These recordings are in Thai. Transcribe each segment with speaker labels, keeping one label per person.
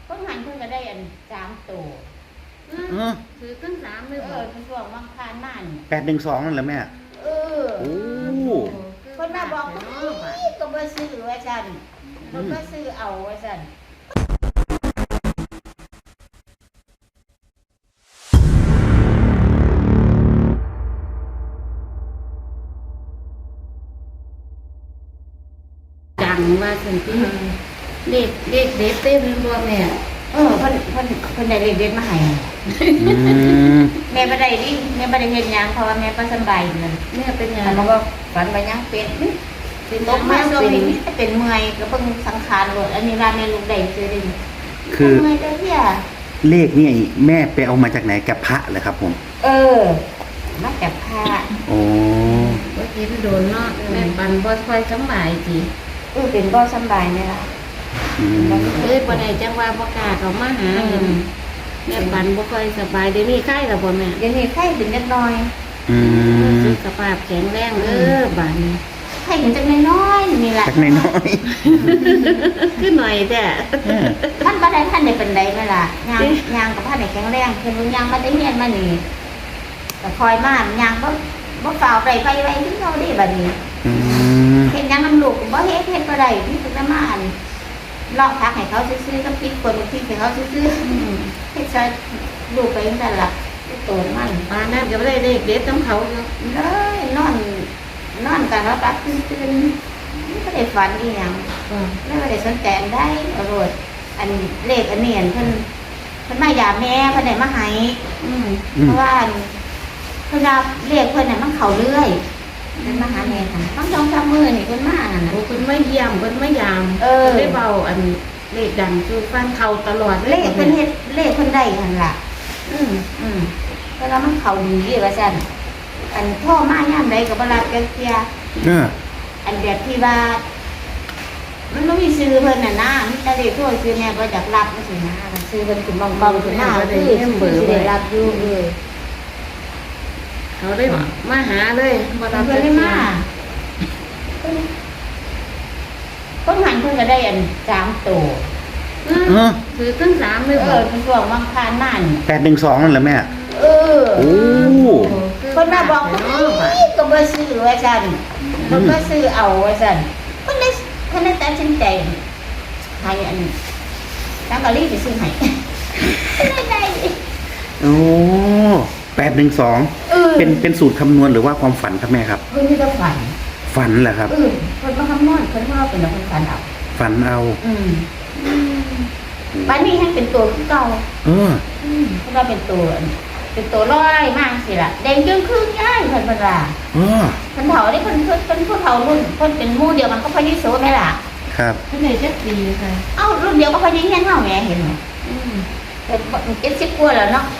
Speaker 1: เพิ่งหันเพิ่งก็ได้อัน3 ตัว
Speaker 2: ถือตั้ง3เลยบ่
Speaker 1: เพิ่นบอกวังคานมัน
Speaker 3: 812นั่นแหละแม่
Speaker 1: เออ
Speaker 3: โอ้
Speaker 1: เพิ่นมาบอกก็บ่ซื้อว่าซั่นเพิ่นก็ซื้อเอาว่าซั่น
Speaker 2: ดังว่าสันติเด็กเด็ดเต้นบ่แม่
Speaker 1: เพิ่นได้เลขเด็ดมาให้แม่บ่ได้ดิแม่บ่ได้เฮ็ดหยังเพราะว่าแม่บ่สบายนั่น
Speaker 2: แม่เป็นหยัง
Speaker 1: แล้วก็ฝันว่ายังเป็นตกมาช่วงนี้เป็นเมื่อยก็เพิ่งสังขารโลดอันนี้ว่าแม่ลูกได้ซื้อได้
Speaker 3: คือ
Speaker 1: เมื่อยเด้อเพี่ย
Speaker 3: เลขนี่แม่ไปเอามาจากไหนกับพระเหรอครับผม
Speaker 1: มาจากพระ
Speaker 3: โอ้
Speaker 2: บ่กินโดนเนาะแม่ปันบ่ค่อยสบายจิ
Speaker 1: เป็นบ่สบายนี่ล่ะ
Speaker 2: บ่ได้จังว่าบ่กล้าเข้ามาหาแม่ปันบ่ค่อยสบายเดี๋ยวนี้ไข้แล้วบ่แม่
Speaker 1: เดี๋ยวนี้ไข้เป็นนิดหน่อย
Speaker 2: สุขภาพแข็งแรงบัดนี้
Speaker 1: ไข้เป็นจักน้อยๆนี่ล่ะ
Speaker 3: จักน้อย
Speaker 2: คือหน่อยแต่
Speaker 1: มันบ่ได้ทันได้เป็นใดแม่ล่ะย่างก็พันได้แข็งแรงเพิ่นย่างมาได้เฮียนมานี่ก็คอยมาย่างบ่ฝ่าวไปไว้คือเฮาได้บัดนี้เฮ็ดหยังนำลูกบ่เฮ็ดบ่ได้มีแต่มาอันลอกพักให้เขาซื้อๆกับพริกป่นพริกให้เขาซื้อๆเฮ็ดซะลูกไปจังซั่นล่ะโตมัน
Speaker 2: ปานนั้นก็บ่ได้เด็ดนํเขาอยู่
Speaker 1: เลยนอนกันแล้วปัดตื่นไม่ได้ฝันอีหยังไม่ได้สนใจได้อรดอันเลขอันนี้เพิ่นมายาแม่เพิ่นได้มาให้เพราะว่าเพิ่นรับเลขเพิ่นน่ะมันเข้าเรื่อยเพิ่นมาหาแม่ค่ะทั้ง2-3มื้อนี่เพิ่นมานั่นน่ะ
Speaker 2: เพิ่นมาเยี่ยมเพิ่นมายามได้เบาอันเลขดังคือฟังเข้าตลอด
Speaker 1: เลขเพิ่นเฮ็ดเลขเพิ่นได้หั่นล่ะเพราะว่ามันเข้าดีว่าซั่นอันพ่อมายามใดก็บ่รับจักเที่ยอันแบบที่ว่ามันไม่มีซื้อเพิ่นน่ะนะมีแต่เลขโทรซื้อแม่บ่อยากรับจังซี่นะซื้อเพิ่นขึ้นเบาๆขึ้นหน้าคือสิได้รับอยู่
Speaker 2: เขาได้มาหาเลย
Speaker 1: บ่รับเพิ่นได้มาเพิ่นหันเพิ่นก็ได้อัน3 ตัว
Speaker 2: ถือตั้ง3เลย
Speaker 1: เพิ่นบอกวังคานมัน
Speaker 3: 812นั่นแหละแม่โอ้
Speaker 1: เพิ่นมาบอกก็บ่ซื้อว่าซั่นเพิ่นก็ซื้อเอาว่าซั่นเพิ่นได้ตัดสินใจให้อันตั้งกะลีสิซื้อให้ได้
Speaker 3: โอ้812เป็นสูตรคำนวณหรือว่าความฝันครับแม่ครับ
Speaker 1: เพิ่นมีแต่
Speaker 3: ฝันเหรอครับ
Speaker 1: เพิ่นบ่คำนวณเพิ่นว่าเป็นคนฝันเอาบัดนี้ให้เป็นตัวคือเก่าเพิ่นว่าเป็นตัวร้อยมากสิล่ะแดงจึงครึ่งย้ายเพิ่นว่าเพิ่นเฒ่าได้เพิ่นผู้เฒ่ารุ่นเพิ่นเป็นหมู่เดียวกันก็พยิโสแม่ล่ะ
Speaker 3: ครับ
Speaker 2: เพิ่นได้จักปีค่ะ
Speaker 1: รุ่นเดียวก็พยิเฮียนเฮาแม่เห็นมั้ยแต่70กว่าแล้วเนาะ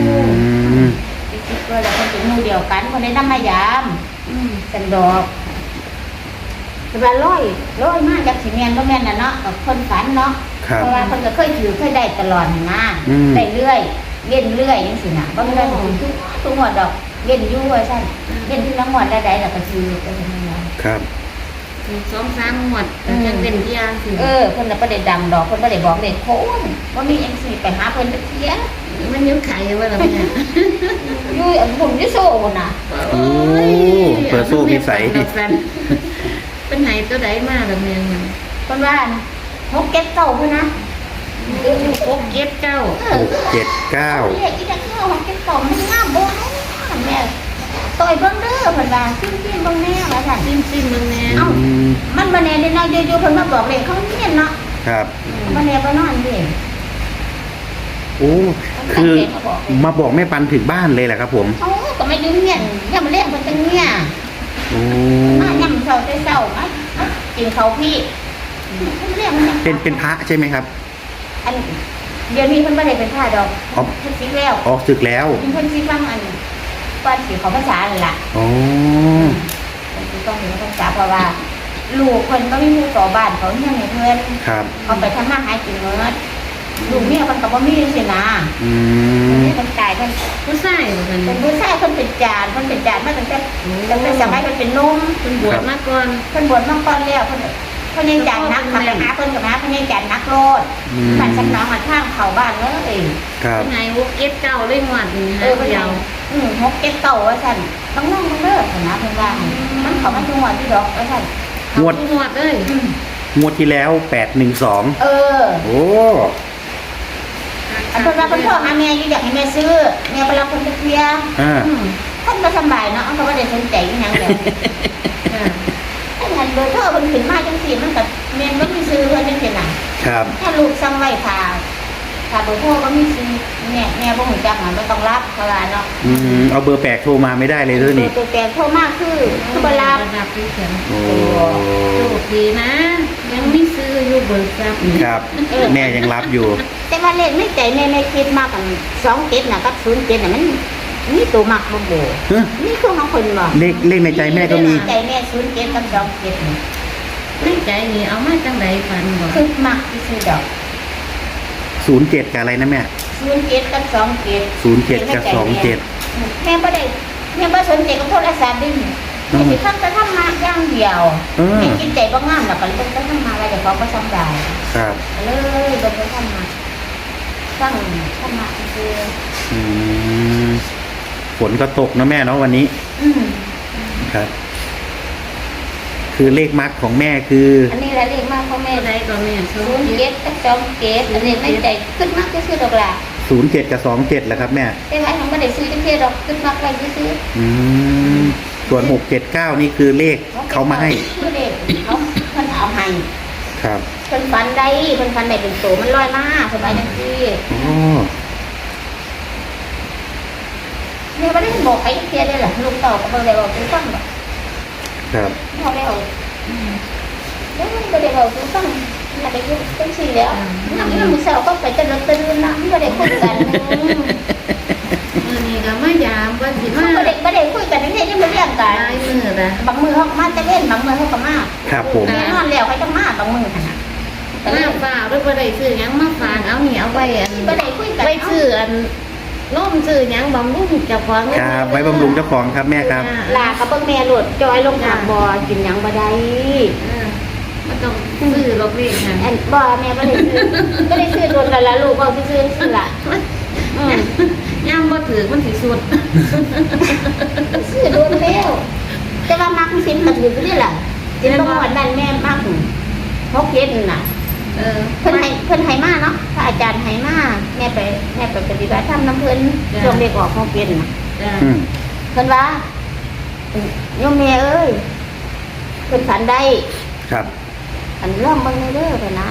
Speaker 1: 70กว่าแล้วเพิ่นเป็นหมู่เดียวกันเพิ่นได้นำมายามสันดอกแต่ว่าร้อยมากจากสิแม่นบ่แม่นน่ะเนาะกับคนฝันเนาะเพราะว่าเพิ่นก็เคยได้ตลอดนะได้เรื่อยเล่นเรื่อยจังซี่น่ะบ่ได้ทุกงวดดอกเล่นอยู่ว่าซั่นเล่นที่ละงวดได้แล้วก็ซื้อไปซั่นน่ะ
Speaker 3: ครับ
Speaker 2: 2-3 งวดยังเป็นที่อย่างสิ
Speaker 1: เพิ่นน่ะบ่ได้ดังดอกเพิ่นบ่ได้บอกเลขโคนบ่มีจังซี่ไปหาเพิ่นจักเที่ย
Speaker 2: มันยังขายอยู่ว่าล่ะแม่
Speaker 1: อยู่อันผมอยู่โซ่พุ่นน่ะ
Speaker 3: โอ้เปิดโซ่พิสัย
Speaker 2: เป็นไหนตัวใดมาล่ะแม่
Speaker 1: เพิ่นว่า6 7 9พุ่นนะ
Speaker 2: 6 7 9
Speaker 1: เลขอีจักเฮา6 7 9มันงามบ่แม่ต่อยเบิ่งเด้อเพิ่นว่าซิมเบิ่งแน่ว่าซั่น
Speaker 2: ซิมเบิ่งแน่
Speaker 1: มันบ่แน่ได้น้อยอยู่ๆเพิ่นมาบอกเลขเขาเฮียนเนาะ
Speaker 3: ครับ
Speaker 1: บ่แน่บ่นอนเด้
Speaker 3: โอ้คือมาบอกแม่ปันถึงบ้านเลยแหละครับผม
Speaker 1: ก็ไม่อยู่เฮียนย่ำเลี้ยงเพิ่นจังเนี่ยมาย่ำเช้าแต่เช้ามากินข้าวพี่เลี้ยงมัน
Speaker 3: เป็นพระใช่ไหมครับ
Speaker 1: อันเดี๋ยวนี้เพิ่นบ่ได้เป็นพระดอกเพิ่นสิแล้ว
Speaker 3: ศึกแล้ว
Speaker 1: เพิ่นสิฟังอันก่อนสิเข้าพรรษานั่นล่ะ
Speaker 3: อ๋อ
Speaker 1: เพิ่นสิต้องเข้าพรรษาเพราะว่าลูกเพิ่นบ่มีหมู่ต่อบ้านเขาเฮียนให้เพิ่น
Speaker 3: ครับ
Speaker 1: เขาไปทำมาหากินเงินลูกเมียเพิ่นก็บ่มีจังซี่นะนี่เพิ่นตายเพิ่น
Speaker 2: ผู้ชาย
Speaker 1: เป็นผู้ชายเพิ่นเป็นจานมาตั้งแต่สมัยเพิ่นเป็นหนุ่ม
Speaker 2: เพิ่นบวชมาก่อน
Speaker 1: แล้วเพิ่นพ่อใหญ่จันนักขับไปหาเพิ่นกับหาพ่อใหญ่จันนักโลดบ้านสำน้องทางเข้าบ้านเลย
Speaker 3: ครับ
Speaker 2: ไงวุกเก็ตเก้าเลยงวดนี่ฮะ
Speaker 1: เพิ่น
Speaker 2: เดียว
Speaker 1: ฮกเก็ตเก่าว่าซั่นต้องนั่งเด้อนะเพิ่นว่ามันเข้ามาทุกวันที่ดอกว่าซั่น
Speaker 3: งวด
Speaker 2: งวดเลย
Speaker 3: งวดที่แล้ว812
Speaker 1: เออ
Speaker 3: โอ้
Speaker 1: อันเพิ่นว่าเพิ่นโทรหาแม่อยู่อยากให้แม่ซื้อแม่ไปรับเพิ่นไปเคลียร์
Speaker 3: อ่า
Speaker 1: ท่านก็สบายเนาะเขาบ่ได้สนใจอีหยังเลย
Speaker 2: ค่ะ
Speaker 1: ถ้าหันเบอร์โทรเพิ่นขึ้นมาจังซี่มันก็แม่นบ่มีซื้อเพิ่นจังซี่น่ะ
Speaker 3: ครับ
Speaker 1: ถ้าลูกสั่งไว้ถ้าเบอร์โทรก็มีซื้อแม่บ่ฮู้จักมันบ่ต้องรับเพราะว่าเนาะ
Speaker 3: เอาเบอร์แปลกโทรมาไม่ได้เลยด้วยนี่
Speaker 1: เบอร์แปลกโทรมาคือบ่รับ
Speaker 2: ระดับที่เขียน
Speaker 3: โอ้
Speaker 2: โชคดีนะ ยังไม่ซื้ออยู่เบิกทรัพย์นี่
Speaker 3: ครับ แม่ยังรับอยู่
Speaker 1: แต่ว่าเลขในใจแม่ไม่คิดมากกัน27น่ะกับ07น่ะมันมีตัวมักบ่โบ
Speaker 3: ฮะ
Speaker 1: นี่คือของคนบ่
Speaker 3: เลขในใจแม่ก็มี
Speaker 1: ใจแม่07กับ27นี่
Speaker 2: ในใจนี่เอามาจังไดฝันบ่
Speaker 1: คือมักที่สุดดอก
Speaker 3: 07กับอะไรนะแม่
Speaker 1: 07กับ27
Speaker 3: 07กับ27
Speaker 1: แม่บ่ได้แม่บ่สนใจกับโทรศัพท์ดิแม่สิทำแต่ทำมาอย่างเดียว
Speaker 3: เออ
Speaker 1: แม่คิดใจบ่งามแล้วก็เลยต้องทำมาอะไรแต่เขาก็ทำได้
Speaker 3: ครับ
Speaker 1: เลยบ่ได้ทำมาตั้งทำมาคือ
Speaker 3: อืมฝนก็ตกนะแม่เนาะวันนี้
Speaker 1: อืม
Speaker 3: ครับ คือเลขมักของแม่คือ
Speaker 1: อันนี้แหละเลขมากของแม่
Speaker 2: แม่ใดก็แม่โชคดี
Speaker 1: 07กับ27อันนี้ไม่ใจขึ้นมากที่สุดดอกล่ะ
Speaker 3: 07กับ27แหละครับแม่
Speaker 1: แต่ว่าทำบ่ได้ซื้อจังซี่ดอกขึ้นมากไว้ซื้อ
Speaker 3: อืมส่วน679นี่คือเลขเขามาให้
Speaker 1: คือเลขเขาเพิ่นเอาให้
Speaker 3: ครับ
Speaker 1: เพิ่นฝันได้เป็นโตมันลอยมาสบายจังซี่
Speaker 3: โอ้
Speaker 1: แม่ไม่ได้บอกใครเคลียร์เลยเหรอลูกเต่าก็ไม่ได้บอกทุกฟังหรอก
Speaker 3: ครับ
Speaker 1: พ่อได้เอาแล้วไม่ได้บอกทุกฟังแม่ได้ยุ่งตั้งสี่แล้วนั่งนั่งมือเสาก็ไปจะเลิกตื่นนะไม่ได้คุยกัน
Speaker 2: มื้อนี้ก็มายามว่าสิมา
Speaker 1: ไม่ได้คุยกันนี่ยังไม่เรียกกั
Speaker 2: ตาน ยมื้อละ
Speaker 1: บางมือเขามาจะเล่นบางมือเขาก็มา
Speaker 3: ครับผม
Speaker 1: แน่นอนแล้วเขาจะมาบางมือขนาด
Speaker 2: มาฝากด้วยบ่ได้ซื้อหยังมาฝากเอานี่เอาไว้อัน
Speaker 1: ไม่ได้คุยกัน
Speaker 2: ไว้ซื้ออันนมซื้อหยังบำรุงเจ้าของ
Speaker 3: ครับไว้บำรุงเจ้าของครับแม่ครับ
Speaker 1: ลากับเบิ้งแม่หลุดจอยลงทางบ่อกินยังบ่ได้
Speaker 2: มันต้องซื้อลอกนี่ค่ะ
Speaker 1: อันบ่แม่ไม่ได้ซื้อโดนกันละลูกบอกซื้อละ
Speaker 2: ย่ามบ่ถือมันสิสุด
Speaker 1: ซื้อโดนแล้วแต่ว่ามักสินมันอยู่นี่แหละสินบ่หมดนั่นแม่มักพกเย็นน่ะ เพิ่นให้มาเนาะพระอาจารย์ให้มาแม่ไปปฏิบัติธรรมน้ำเพิ่นช่วงเด็กออกพกเย็นน่ะ
Speaker 2: จ้ะ
Speaker 3: อืม
Speaker 1: เพิ่นว่าโยมแม่เอ้ยเพิ่นฝันได้
Speaker 3: ครับ
Speaker 1: อันร่องเบิ่งในเด้อเพิ่นนะ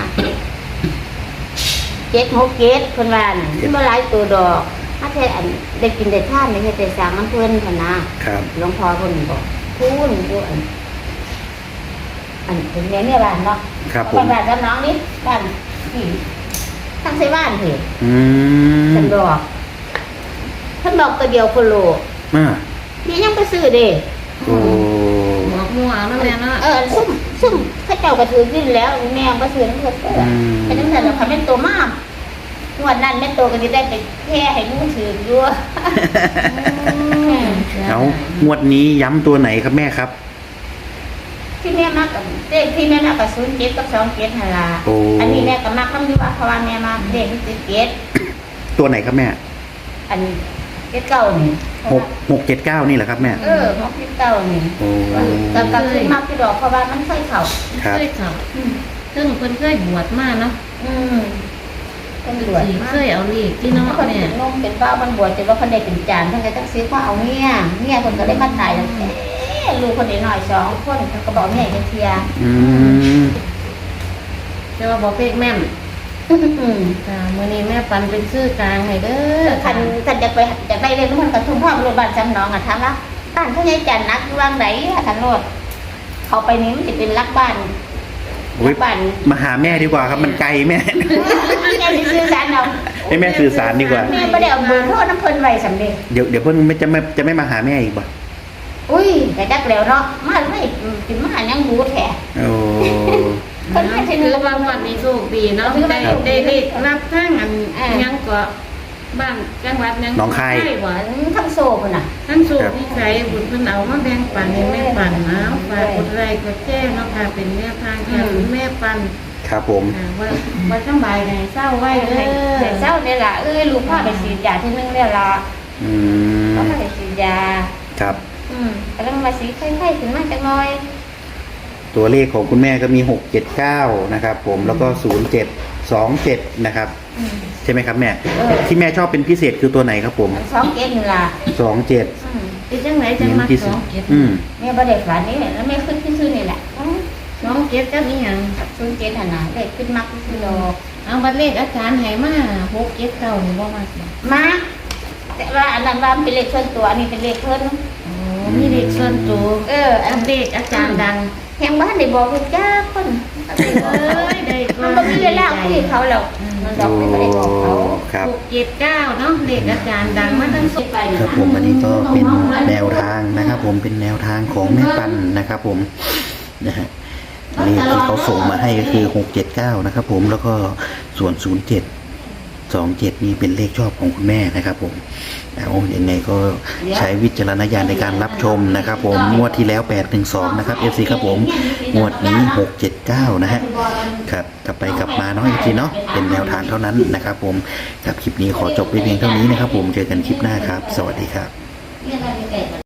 Speaker 1: 7 6 7เพิ่นว่าน่ะบ่หลายตัวดอกถ้าแท้อันได้กินได้ทานได้เฮ็ดได้สร้างน้ำเพิ่นเพิ่นนะครับ หลวงพ่อเพิ่นบอกคูณอยู่อันเป็นแม่เนี่ยบ้านเนาะ
Speaker 3: ครับผม
Speaker 1: บ้านกับน้องนี่บ้านที่ทั้งใส่บ้านเถอะ
Speaker 3: อืม
Speaker 1: ท่านบอกท่านบอกตัวเดียวโคโล
Speaker 3: อ่า
Speaker 1: นี่ยังไปซื้อเด้
Speaker 3: โอ้
Speaker 2: บอกมั่วเอาแล้วแม่เนาะ
Speaker 1: ซุ่มเข้าเจ้ากระถือขึ้นแล้วแม่ก็ซื้อน้ำเพิ่นเด้อไอ้นั่นน่ะเราคันเป็นตัวมากงวดนั้นแม่โตก็สิได้ไปแค่ให้มู้ถืออยู่
Speaker 3: เอางวดนี้ย้ำตัวไหนครับแม่ครับ
Speaker 1: ที่แม่มากกับเลขที่แม่มากกับ07กับ27หั่นล่ะ
Speaker 3: โอ้
Speaker 1: อันนี้แม่ก็มักคำอยู่ว่าเพราะว่าแม่มาเลข17
Speaker 3: ตัวไหนครับแม่
Speaker 1: อัน79นี่
Speaker 3: 679นี่แหละครับแม่
Speaker 1: 69นี่
Speaker 3: โอ้
Speaker 1: กับคือมักที่ดอกเพราะว่ามันเคยเข้า
Speaker 3: ครับ
Speaker 2: เคยเขาซึ่งเพิ่นเคยบวชมาเนาะ
Speaker 1: เป็นบวช
Speaker 2: สิ
Speaker 1: มา
Speaker 2: เคยเอาเลขที่
Speaker 1: เนาะ
Speaker 2: เนาะ
Speaker 1: คน
Speaker 2: แม่
Speaker 1: เป็นนมเป็นบ้ามันบวชจนว่าคนใดเป็นจานคนใดต้องซื้อข้าวเอาเนี่ยคนก็ได้มาตายแล้วลูกคนหน่อย2คนก็บอกเนี่ยจะเทีย
Speaker 3: อืม
Speaker 2: แต่ว่าบอกเลขแม่นจ้ามื้อนี้แม่ปันเป็นชื่อกลางให้เด้อ
Speaker 1: คันจะไปจะไปเรียนมันกับทุ่งพ่อโรงพยาบาลจำน้องอ่ะถามว่าบ้านเขาใหญ่จันนักวางไหนทันโลดเขาไปนี้มันจะเป็นรักบ้าน
Speaker 3: โอ้ย
Speaker 1: บ้าน
Speaker 3: มาหาแม่ดีกว่าครับมันไกลแม่
Speaker 1: แม่สื่อสารเอา
Speaker 3: ให้แม่สื่อสารดีกว่า
Speaker 1: แม่ไม่ได้เอาเบอร์โทรน้ำเพลินไว้สำเร็จ
Speaker 3: เดี๋ยวเพิ่นจะไม่มาหาแม่อีกบ่
Speaker 1: อุ้ยแต่จักแล้วเนาะมาไม่กินมายังรู้แท้
Speaker 3: โอ้
Speaker 1: คนแค่
Speaker 2: ถือว่างวดนี้โชคดีเนาะได้เลขรับทั้งอันยังก็บ้านจังหวัดยัง
Speaker 3: หนองคาย
Speaker 2: หวาน
Speaker 1: ทั้งโซพุ่นน่ะ
Speaker 2: ท่านสูบนิสัยบุญเพิ่นเอามาแบ่งปันให้แม่ปันนะฝากกดไลค์กดแชร์เนาะค่ะเป็นแม่ทางจากคุณแม่ปัน
Speaker 3: ครับผม
Speaker 2: ว่าสบายไงเศร้าไว้เลย
Speaker 1: แต่เช้านี่ล่ะลูกพาไปฉีดยาที่นึงแล้วล่ะ
Speaker 3: อืม
Speaker 1: ก็พาไปฉีดยา
Speaker 3: ครับ
Speaker 1: กำลังมาสีไข้ๆขึ้นมาจักหน่อย
Speaker 3: ตัวเลขของคุณแม่ก็มี679นะครับผมแล้วก็0727นะครับใช่ไหมครับแม่ที่แม่ชอบเป็นพิเศษคือตัวไหนครับผม
Speaker 1: 2 เกตนี่ล่ะ
Speaker 3: 27
Speaker 2: เป็นจังไหนจัง
Speaker 3: เน้น
Speaker 2: มา
Speaker 3: พิเศ
Speaker 2: สอ
Speaker 3: ษ
Speaker 2: งเก็ด
Speaker 1: แม่บ่ได้ฝันนี่แล้วแม่ขึ้นซื่อๆนี่แหละ
Speaker 2: สองเก็ดจังอีหยัง
Speaker 1: 0 เกตหั่นน่ะเลขขึ้นมักซื่อๆดอก
Speaker 2: เอาบัตรเลขอาจารย์ให้มา6เก็ดเก่านี่บ่มาสิ
Speaker 1: มาแต่ว่าอันนั้นว่าเป็นเลขส่วนตัวอันนี้เป็นเลขเพิ่น
Speaker 2: โอ้มีเลขส่วนตัว
Speaker 1: อัน
Speaker 2: เลขอาจารย์ดัง
Speaker 1: แห่งบ้านได้บอกลูกจ้าคน
Speaker 2: เอ้ยได้
Speaker 1: มันบ่มีเวลาคุยกับเขาแล้วมันดอกไม่ได้บอกเขา
Speaker 3: ครับ
Speaker 2: 6 7 9เนาะเลขอาจารย์ดังมาตั้งสุดไป
Speaker 3: ครับผมอันนี้ก็เป็นแนวทางนะครับ ผมเป็นแนวทางของแม่ปันนะครับ ผมนะฮะเลขที่เขาส่งมาให้ก็คือ679นะครับ ผมแล้วก็ส่วน0727นี่เป็นเลขชอบของคุณแม่นะครับ ผมเอายังไงก็ใช้วิจารณญาณในการรับชมนะครับ ผมงวดที่แล้ว812นะครับ FC ครับผมงวดนี้679นะฮะครับกลับไปกลับมาเนาะ FC เนาะเป็นแนวทางเท่านั้นนะครับ ผมกับคลิปนี้ขอจบไว้เพียงเท่านี้นะครับ ผมเจอกันคลิปหน้าครับ สวัสดีครับ